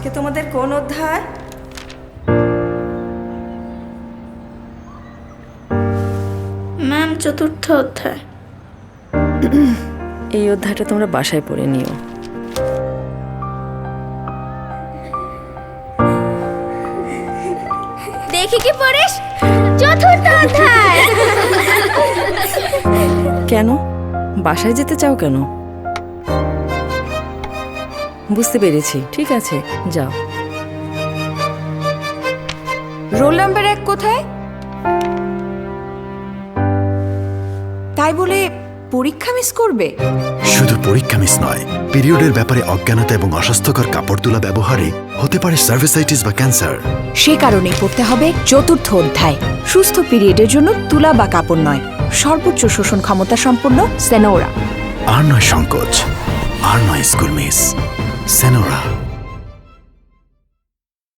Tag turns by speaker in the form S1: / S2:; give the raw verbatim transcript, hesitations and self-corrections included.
S1: আজকে তোমাদের কোন অধ্যায়?
S2: ম্যাম, চতুর্থ অধ্যায়।
S3: এই অধ্যায়টা তোমরা বাসায় পড়ে নিও।
S2: দেখি কি পড়িস? চতুর্থ অধ্যায়।
S3: কেন বাসায় যেতে চাও কেন? বুঝতে পেরেছি, ঠিক আছে যাও।
S1: রোল নাম্বার এক কোথায়? তাই বলে পরীক্ষা মিস করবে?
S4: শুধু পরীক্ষা মিস নয়, পিরিয়ডের ব্যাপারে অজ্ঞানতা এবং অস্বাস্থ্যকর কাপড় তোলা ব্যবহারে হতে পারে সার্ভিসাইটিস বা ক্যান্সার।
S5: সে কারণেই পড়তে হবে চতুর্থ অধ্যায়। সুস্থ পিরিয়ডের জন্য তুলা বা কাপড় নয়, সর্বোচ্চ শোষণ ক্ষমতা সম্পন্ন সেনোরা।
S4: আর নয় সংকোচ, আর নয় স্কুল মিস, সেনোরা।